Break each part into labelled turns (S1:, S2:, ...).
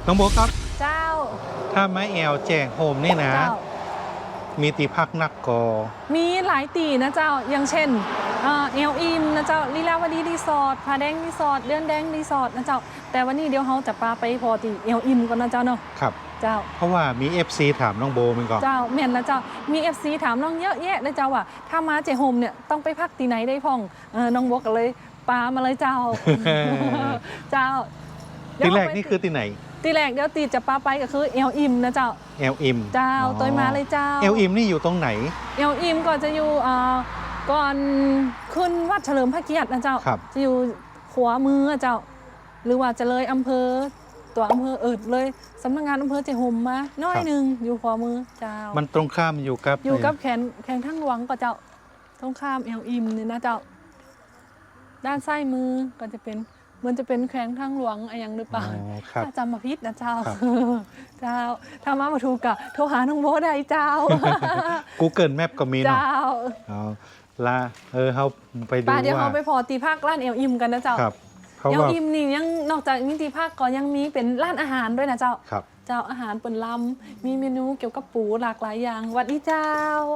S1: น้องโบครับ
S2: เจ้า
S1: ถ้าไม้แอลแจงโฮมนี่นะ
S2: เจ้า
S1: มีตีพักนักกอ
S2: มีหลายตีนะเจ้าอย่างเช่นเอลอิมนะเจ้าลีลาวดีรีสอร์ทผาแดงรีสอร์ทเดือนแดงรีสอร์ทนะเจ้าแต่วันนี้เดี๋ยวเขาจะพาไปพอตีเอลอิมก่อนนะเจ้าเนาะ
S1: ครับ
S2: เจ้า
S1: เพราะว่ามี FC ถามน้องโบมันก่อน
S2: เจ้าเมียนนะเจ้ามี FC ถามน้องเยอะแยะนะเจ้าว่าถ้ามาเจโฮมเนี่ยต้องไปพักตีไหนได้พ่องน้องบอกกันเลยปามาเลยเจ้า เจ้า
S1: ที่แรกนี่คือที่ไหน
S2: ตีแรกเดี๋ยวตีจะปาไปก็คือเอลอิมนะเจ้า
S1: เอลอิม
S2: เจ้าตัวมาเลยเจ้า
S1: เอลอิมนี่อยู่ตรงไหน
S2: เอลอิมก็จะอยู่ก่อนขึ้นวัดเฉลิมพระเกียรตินะเจ้าจะอยู่ขวามือเจ้าหรือว่าจะเลยอำเภอตัวอำเภอเลยสำนักงานอำเภอเจโฮมมาน้อยหนึ่งอยู่ขวามือเจ้า
S1: มันตรงข้ามอยู่กับ
S2: แขงทั้งหลวงก็เจ้าตรงข้ามเอลอิมนี่นะเจ้าด้านซ้ายมือก็จะเป็นมันจะเป็นแขวงทางหลวงอะไรอย่างหรือเปล่าถ้าจำมาพิษนะเจ้าเจ้าถ้ามาถูกกะโทรหาน้องโบได้เจ้า
S1: Google Map ก็มีเนาะ
S2: เจ้า
S1: ละเขาไปดูว่า
S2: เดี๋ยวเขาไปพอตีภาคร้านเอลอิมกันนะเจ้าเอลอิมนี่ยังนอกจากมีตีภาคก็ยังมีเป็นร้านอาหารด้วยนะเจ้าเจ้าอาหารเปิ่นลำมีเมนูเกี่ยวกับปูหลากหลายอย่างวัดนี้เจ้า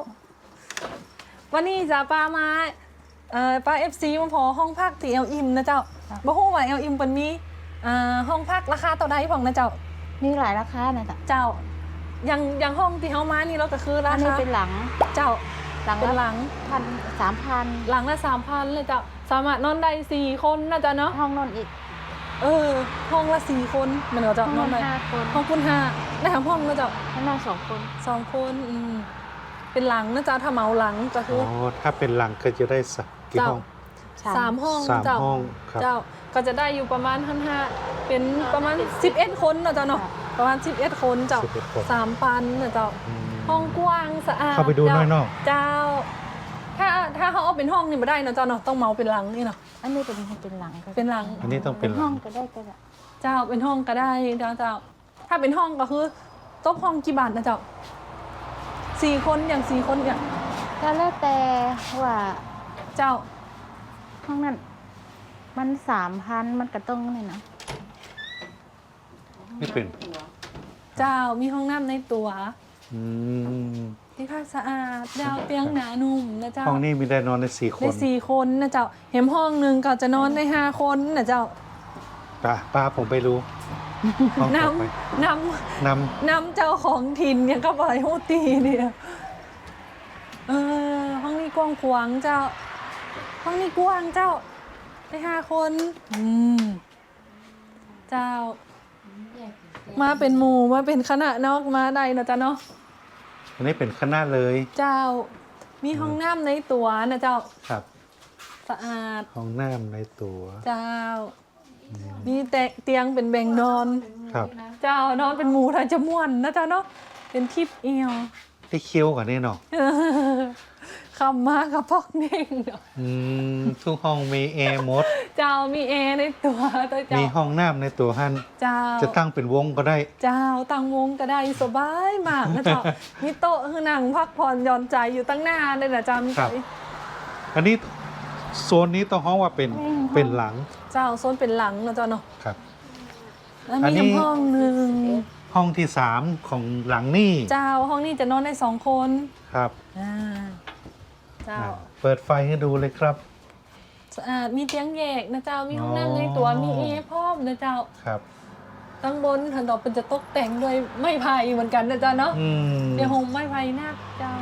S2: วันนี้จะป้ามาป้า FC มาพอห้องพักที่เอลอิมนะเจ้าบ่ฮู้ว่าเอลอิมเปิ้นมีห้องพักราคาเท่าใดพ่องนะเจ้า
S3: มีหลายราคานะ
S2: เจ้าอย่างห้องที่เฮามานี่เราก็คือราคา
S3: อันนี้เป็นหลัง
S2: เจ้า
S3: เป็นหลัง3,000
S2: หลังละ 3,000 เลยเจ้าสามารถนอนได้4คนนะเจ้าเนาะ
S3: ห้องนอนอีก
S2: ห้องละ4คนเหมือนเจ้านอนได้
S3: 5 คน
S2: ห้องคุณ5ได้ทั้งห้องนะเจ้า
S3: ห้องนอน2 คน
S2: 2 คนเป็นหลังนะเจ้าถ้าเหมาหลังก็คือ
S1: ถ้าเป็นหลังก็จะได้สักกี่ห้อง
S2: 3 ห้องเจ้าก็จะได้อยู่ประมาณ5เป็นประมาณ11 คนนะเจ้าเนาะประมาณ11 คนเจ้า 3,000 นะเจ้าห้องกว้างสะอาด
S1: เข้าไปดูน้อยเนาะ
S2: เจ้าถ้าเขาเอาเป็นห้องนี่ไม่ได้นะเจ้าเนาะต้องเมาเป็นหลังนี่เนาะ
S3: อันนี้เป็นหลัง
S2: เป็นหลัง
S1: อันนี้ต้องเป็น
S3: ห้องก็ได้
S2: เจ้าเป็นห้องก็ได้เจ้าถ้าเป็นห้องก็คือโต๊ะห้องกี่บาทนะเจ้า4 คนอย่าง4 คนอย่าง
S3: ก็แล้วแต่ว่า
S2: เจ้า
S3: ห้องนั้นมัน 3,000 มันก็ต้องเลยนะ
S1: ไม่เป็น
S2: เจ้ามีห้องน้ำในตัวที่ค่าสะอาดดาวเตียงหนานุ่มนะเจ้า
S1: ห้องนี้มีได้นอนได้4 คน
S2: ได้4 คนนะเจ้าเห็นห้องนึงก็จะนอนได้5 คนนะเจ้า
S1: ป้าผมไปรู้
S2: นำเจ้าของถิ่นยังก็ปล่อยหูตีเนี่ยห้องนี้กว้างขวางเจ้าห้องนี้กว้างเจ้าได้5 คนเจ้ามาเป็นหมู่มาเป็นคณะนอกมาได้นะเจ้าเนาะ
S1: อันนี้เป็นคณะเลย
S2: เจ้ามีห้องน้ำในตัวนะเจ้า
S1: ครับ
S2: สะอาด
S1: ห้องน้ำในตัว
S2: เจ้ามีเตียงเป็นแบ่งนอน
S1: ครับ
S2: เจ้านอนเป็นหมู่ถ้าจะม่วนนะเจ้าเนาะเป็นทิพย์เอียว
S1: ได้เคี้ยวกว่านี่เนาะ
S2: คำมากกับพอกเน่ง
S1: ทุกห้องมีแอร์หมด
S2: เจ้ามีแอร์ในตัว
S1: มีห้องน้ำในตัวฮั่น
S2: เจ้า
S1: จะตั้งเป็นวงก็ได้
S2: เจ้าตั้งวงก็ได้สบายมากนะเจ้ามีโต๊ะคือนั่งพักผ่อนหย่อนใจอยู่ตั้งหน้าเลยนะเจ้า
S1: ครับอันนี้โซนนี้ต้องห้องว่าเป็นหลัง
S2: เจ้าโซนเป็นหลังนะเจ้าเนาะ
S1: ครับ
S2: แล้วมีห้องนึง
S1: ห้องที่3ของหลังนี่
S2: เจ้าห้องนี้จะนอนได้2 คน
S1: ครับ
S2: เจ้า
S1: เปิดไฟให้ดูเลยครับ
S2: สะอาดมีเตียงแยกนะเจ้ามีห้องน้ำในตัวมีแอร์พร้อมนะเจ้า
S1: ครับ
S2: ตั้งบนถันต่อเป็นจะตกแต่งด้วยไม้ไผ่เหมือนกันนะเจ้าเนาะเดี๋ยวหงไม้ไผ่นักเจ้า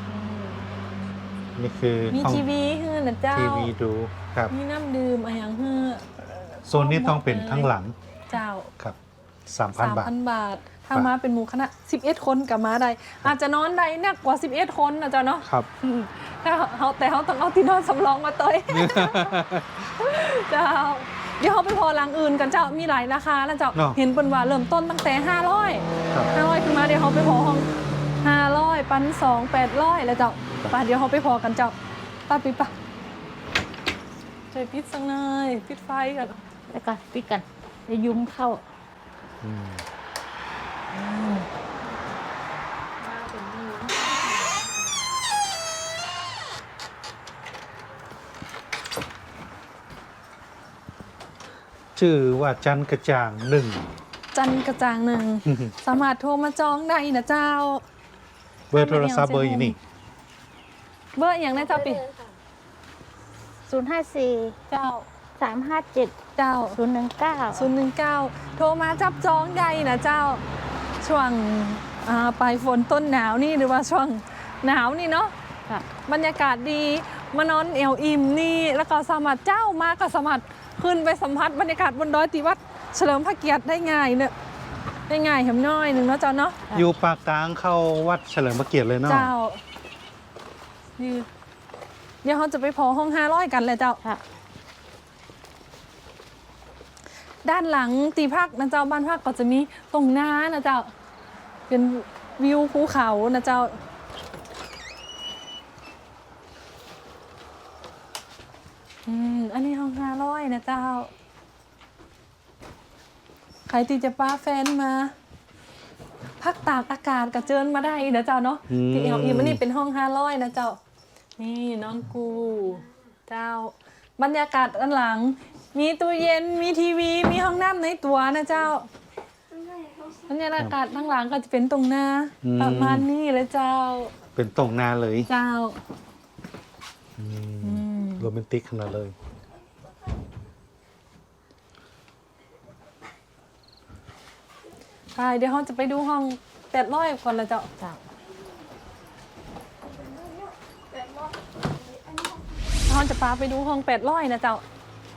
S1: นี่คือ
S2: มีทีวีฮือนะเจ้า
S1: ทีวีดูครับ
S2: มีน้ำดื่มอะไรอย่างฮือ
S1: โซนนี้ต้องเป็นทั้งหลัง
S2: เจ้า
S1: ครับ3,000 บาท
S2: ถ้ามาเป็นหมู่คณะ11 คนกับมาได้อาจจะนอนได้นักกว่า11 คนนะเจ้าเนาะ
S1: ครับ
S2: ถ้าแต่เขาต้องเอาที่นอนสำรองมาเตยเจ้าเดี๋ยวเขาไปพอหลังอื่นกันเจ้ามีหลายราคาแล้วเจ้าเห็นเป็นว่าเริ่มต้นตั้งแต่500ขึ้นมาเดี๋ยวเขาไปพอห้อง500 1,200 800แล้วเจ้าป่ะเดี๋ยวเขาไปพอกันเจ้าป้าปิดป่ะช่วยปิดสักหน่อยปิดไฟกัน
S3: แล้วก็ปิดกันจะยุ้งเข้า
S1: ชื่อว่าจันกระจ่าง1
S2: จันกระจ่างหนึ่ง สามารถโทรมาจองได้นะเจ้า
S1: เบอร์โทรศัพท์เบอร์อยู่นี่
S2: เบอร์อย่างนะเจ้าปิ
S3: 054
S2: เจ้า
S3: 357
S2: เจ้า
S3: 019
S2: 019 โทรมาจับจองได้นะเจ้า ช่วงปลายฝนต้นหนาวนี่หรือว่าช่วงหนาวนี่เนาะ
S3: ค่ะ
S2: บรรยากาศดีมานอนเอวอิ่มนี่แล้วก็สามารถเจ้ามาก็สามารถขึ้นไปสัมผัสบรรยากาศบนดอยติวัดเฉลิมพระเกียรติได้ง่ายเนี่ยได้ง่ายเห็นน้อยหนึ่งเนาะเจ้าเนาะ
S1: อยู่ปากกลางเข้าวัดเฉลิมพระเกียรติเลยเนาะ
S2: เจ้านี่เดี๋ยวเขาจะไปพอห้อง500กันเลยเจ้า
S3: ค่ะ
S2: ด้านหลังตีพักนะเจ้าบ้านพักก็จะมีตรงน้านะเจ้าเป็นวิวภูเขานะเจ้าอันนี้ห้อง500นะเจ้าใครที่จะป้าแฟนมาพักตากอากาศกระเจิญมาได้นะเจ้าเนาะที่เอลอีมันนี่เป็นห้อง500นะเจ้านี่น้องกูเจ้าบรรยากาศด้านหลังมีตู้เย็นมีทีวีมีห้องน้ำในตัวนะเจ้าบรรยากาศข้างหลังก็จะเป็นตรงหน้าประมาณนี้เลยเจ้า
S1: เป็นตรงนาเลย
S2: เจ้า
S1: โรแมนติกขนาดเลย
S2: ไปเดี๋ยวเราจะไปดูห้อง800ก่อนละเจ้า
S3: จ้ะ
S2: เราจะพาไปดูห้อง800นะเจ้า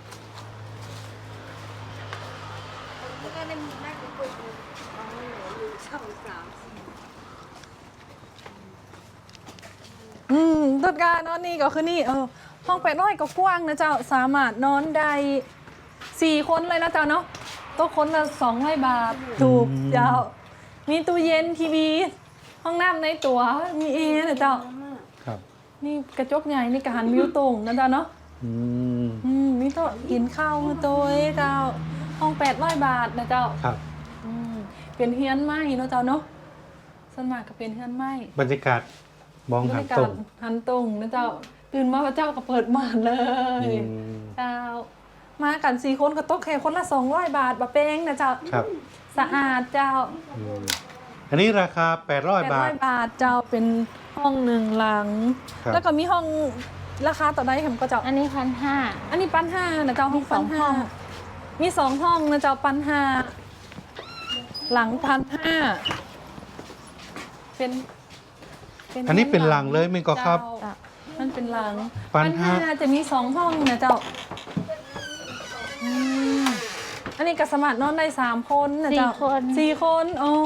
S2: ต้นกานอนนี่ก็คือนี่ห้อง800ก็กว้างนะเจ้าสามารถนอนได้4 คนเลยนะเจ้าเนาะโต๊ะคนละ200 บาทถูกเจ้ามีตู้เย็นทีวีห้องน้ำในตัวมีแอร์นะเจ้า
S1: ครับ
S2: นี่กระจกใหญ่นี่กระหันวิวตรงนะเจ้าเนาะ มีโต๊ะกินข้าวมือโต๊ะเจ้าห้อง800 บาทนะเจ้า
S1: ครับ
S2: เป็นเฮียนไม้เนาะเจ้าเนาะสวนมากก็เป็นเฮียนไม้
S1: บรรยากาศมอง
S2: บร
S1: หาร
S2: ยากา
S1: ตร
S2: ศ
S1: ง
S2: หันตรงนะเจ้าตื่นมาพระเจ้าก็เปิดม่านเลย เจ้ามากัน4 คนก็โต๊ะแค่คนละ200 บาทบะเป้งนะเจ้า
S1: ครับ
S2: สะอาดเจ้า
S1: อันนี้ราคา800 บาท
S2: 800 บาทเจ้าเป็นห้อง1 หลัง
S1: ครับ
S2: แล้วก็มีห้องราคาต่อได้เห็นก็เจ้า
S3: อันนี้1,500
S2: อันนี้ปันห้านะเจ้าห้อง
S3: มีสอง
S2: ปันห้า
S3: ห้อง
S2: มี2 ห้องนะเจ้าปันห้าหลัง1,500เป็น
S1: อันนี้เป็นหลังเลยมั้ยก็ครับ
S2: เจ้ามันเป็นหลัง
S1: ปันห้า
S2: จะมี2 ห้องนะเจ้าอันนี้ก็สามารถนอนได้3 คนนะเจ้า
S3: 4 คน
S2: 4 คนโอ้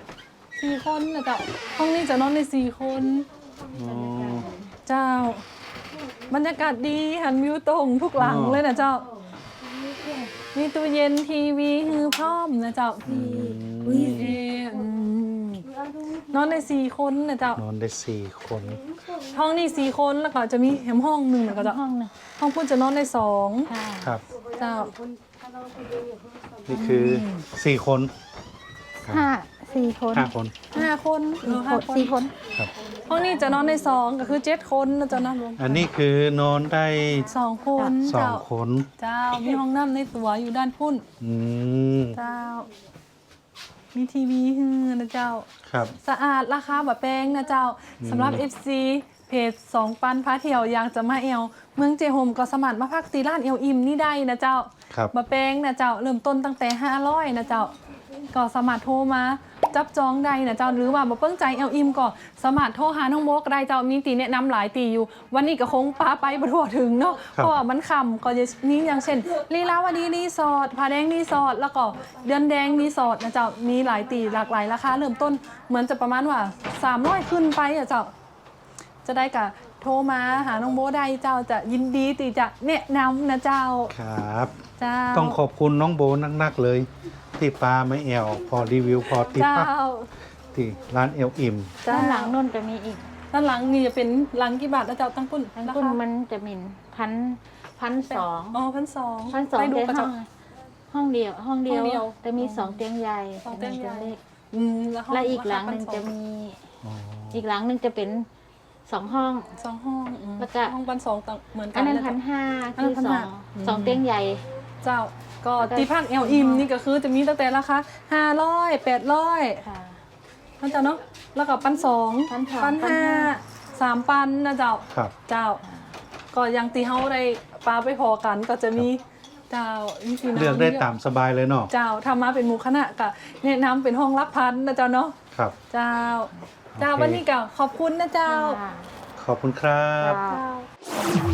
S2: 4 คนนะเจ้าห้องนี้จะนอนได้4 คน เจ้า บรรยากาศดีหันวิวตรงทุกหลังเลยนะเจ้า มีตู้เย็นทีวีฮือพร้อมนะเจ้านอนได้4 คนนะเจ้าน
S1: อนได้4 คน
S2: ห้องนี้4 คนแล้วก็จะมีแหมห้องหนึ่งนะก็จะ
S3: ห้องหนึง
S2: ห้องพุ่นจะนอนได้2
S3: ค่ะ
S1: ครับ
S2: เจ้า
S1: นี่คือ4 คน
S3: 4 คน
S1: 5 คน
S2: 5 คน
S3: 4 คน
S1: ครับ
S2: ห้องนี้จะนอนได้2ก็คือ7 คนนะเจ้านะรวม
S1: อันนี้คือนอนได้
S2: 2 คนเจ้า
S1: 2 คน
S2: เจ้ามีห้องน้ำในตัวอยู่ด้านพุ่น
S1: อืม
S2: เจ้า มีทีวีฮือนะเจ้า
S1: ครับ
S2: สะอาดราคาแบบแพงนะเจ้าสำหรับ FC เพจ2 ปันพาเที่ยวอยากจะมาเอวเมืองเจโฮมก็สามารถมาพักตีร้านเอวอิมนี่ได้นะเจ้า
S1: ครับ
S2: บะแพงนะเจ้าเริ่มต้นตั้งแต่500นะเจ้าก็สามารถโทรมาจับจองได้นะเจ้าหรือว่าบ่เปิ้งใจเอลอิมก็สามารถโทรหาน้องโมกได้เจ้ามีตีแนะนำหลายตีอยู่ วันนี้ก็คงปาไปบ่ทั่วถึงเนาะเพราะว่ามันค่ำก็จะมีอย่างเช่นลีลาวดีรีสอร์ทผาแดงรีสอร์ทแล้วก็เดือนแดงรีสอร์ทนะเจ้ามีหลายตีหลากหลายราคาเริ่มต้นเหมือนจะประมาณว่า300ขึ้นไปอะเจ้าจะได้กะโทรมาหาน้องโมได้เจ้าจะยินดีที่จะแนะนำนะเจ้า
S1: ครับ
S2: เจ้า
S1: ต้องขอบคุณน้องโบนักๆเลย ที่ปลาไม่แอวพอรีวิวพอติด
S2: เจ้า
S1: ปักที่ร้านเอลอิ่ม
S3: ด้านหลังนู่นจะมีอีก
S2: ด้านหลังนี่จะเป็นหลังกี่บาทนะเจ้าตั้งปุ้น
S3: ทั้งคุณมันจะมี1,200
S2: อ๋อ1,200
S3: 1,200
S2: ไปดู
S3: เป็น
S2: กระจก
S3: ห้องเดียว
S2: ห้องเดียว
S3: แต่มี2 เตียงใหญ่
S2: 2 เตียงใหญ่
S3: เล็ก
S2: ห้ง
S3: และอีกหลังหนึ่งจะมี อีกหลังหนึ่งจะเป็น2 ห้อง
S2: 2 ห้อง
S3: แล้วก็
S2: ห้อง1,200ต่างเหมือนกั
S3: อันนั้น
S2: ะเจ้า
S3: 1,500
S2: อันนั้
S3: คือน
S2: 1,500
S3: สองเตียงใหญ่
S2: เจ้าก็ที่พักแอลอิมนี่ก็คือจะมีตั้งแต่ราคา500 800
S3: ค่ะ
S2: นะเจ้าเนาะแล้วก็1,200
S3: 1,200
S2: 1,500 3,000นะเจ้า
S1: ครับ
S2: เจ้า ก็ยังตีเฮาได้ปลาไปพอกันก็จะมีเจ้าพี่น้อง
S1: เลือกได้ตามสบายเลยเนาะ
S2: เจ้าทำมาเป็นหมู่คณะก็แนะนำเป็นห้องรับพันนะเจ้าเนาะ
S1: ครับ
S2: เจ้า เจ้า
S1: โอเค
S2: วันนี้ก็ขอบคุณนะเจ้า
S3: ค่ะ
S1: ขอบคุณครับ
S3: ค่ะ
S2: เจ้า